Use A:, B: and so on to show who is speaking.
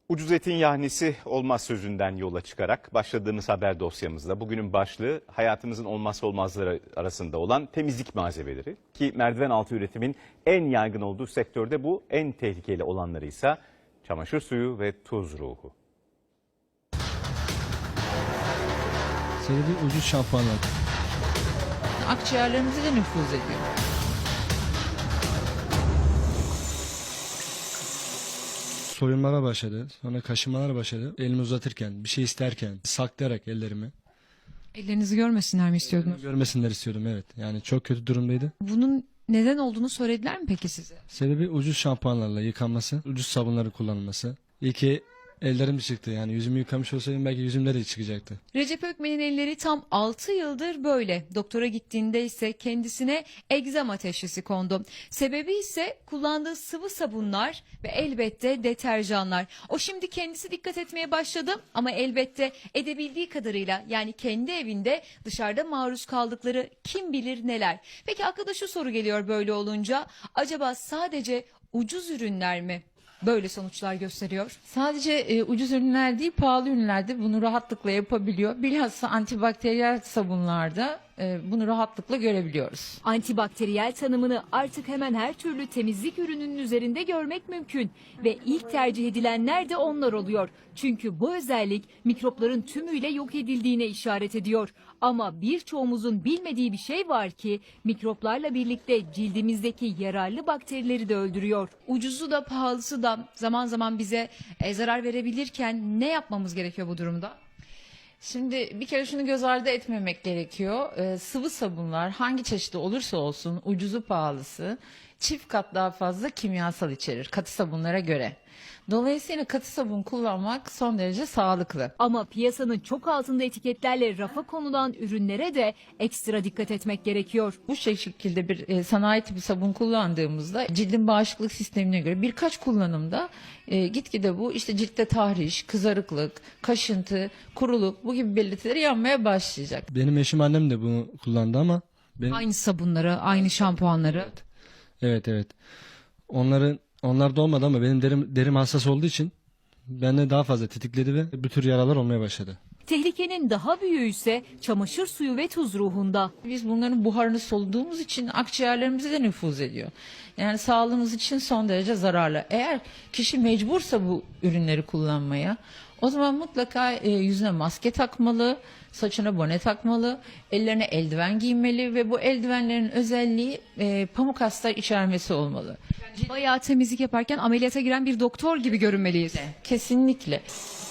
A: Ucuz etin yahnisi olmaz sözünden yola çıkarak başladığımız haber dosyamızda bugünün başlığı hayatımızın olmazsa olmazları arasında olan temizlik malzemeleri. Ki merdiven altı üretimin en yaygın olduğu sektörde bu, en tehlikeli olanları ise çamaşır suyu ve tuz ruhu.
B: Sebebi ucuz şampuanlar.
C: Akciğerlerimize de nüfuz ediyor.
B: Soyunmalar başladı, sonra kaşınmalar başladı. Elimi uzatırken, bir şey isterken, saklayarak ellerimi.
D: Ellerinizi görmesinler mi istiyordunuz?
B: Görmesinler istiyordum, evet. Yani çok kötü durumdaydı.
D: Bunun neden olduğunu söylediler mi peki size?
B: Sebebi ucuz şampuanlarla yıkanması, ucuz sabunların kullanılması. İyi ki ellerim çıktı, yani yüzümü yıkamış olsaydım belki yüzümde de çıkacaktı.
D: Recep Ökmen'in elleri tam 6 yıldır böyle. Doktora gittiğinde ise kendisine egzama teşhisi kondu. Sebebi ise kullandığı sıvı sabunlar ve elbette deterjanlar. O şimdi kendisi dikkat etmeye başladı ama elbette edebildiği kadarıyla, yani kendi evinde, dışarıda maruz kaldıkları kim bilir neler. Peki akla da şu soru geliyor böyle olunca: acaba sadece ucuz ürünler mi böyle sonuçlar gösteriyor?
C: Sadece ucuz ürünler değil, pahalı ürünler de bunu rahatlıkla yapabiliyor. Bilhassa antibakteriyel sabunlarda bunu rahatlıkla görebiliyoruz.
E: Antibakteriyel tanımını artık hemen her türlü temizlik ürününün üzerinde görmek mümkün ve ilk tercih edilenler de onlar oluyor. Çünkü bu özellik mikropların tümüyle yok edildiğine işaret ediyor. Ama birçoğumuzun bilmediği bir şey var ki mikroplarla birlikte cildimizdeki yararlı bakterileri de öldürüyor.
D: Ucuzu da pahalısı da zaman zaman bize zarar verebilirken ne yapmamız gerekiyor bu durumda?
C: Şimdi bir kere şunu göz ardı etmemek gerekiyor. Sıvı sabunlar hangi çeşidi olursa olsun, ucuzu pahalısı, çift kat daha fazla kimyasal içerir katı sabunlara göre. Dolayısıyla katı sabun kullanmak son derece sağlıklı.
E: Ama piyasanın çok altında etiketlerle rafa konulan ürünlere de ekstra dikkat etmek gerekiyor.
C: Bu şekilde bir sanayi tipi sabun kullandığımızda cildin bağışıklık sistemine göre birkaç kullanımda gitgide bu işte ciltte tahriş, kızarıklık, kaşıntı, kuruluk bu gibi belirtileri yanmaya başlayacak.
B: Benim eşim, annem de bunu kullandı ama benim...
D: Aynı sabunları, aynı şampuanları.
B: Evet. Onlar da olmadı ama benim derim hassas olduğu için bende daha fazla tetikledi ve bu tür yaralar olmaya başladı.
E: Tehlikenin daha büyüğü ise çamaşır suyu ve tuz ruhunda.
C: Biz bunların buharını soluduğumuz için akciğerlerimize de nüfuz ediyor. Yani sağlığımız için son derece zararlı. Eğer kişi mecbursa bu ürünleri kullanmaya, o zaman mutlaka yüzüne maske takmalı, saçına bone takmalı, ellerine eldiven giymeli ve bu eldivenlerin özelliği pamuk astar içermesi olmalı.
D: Bayağı temizlik yaparken ameliyata giren bir doktor gibi görünmeliyiz.
C: Kesinlikle.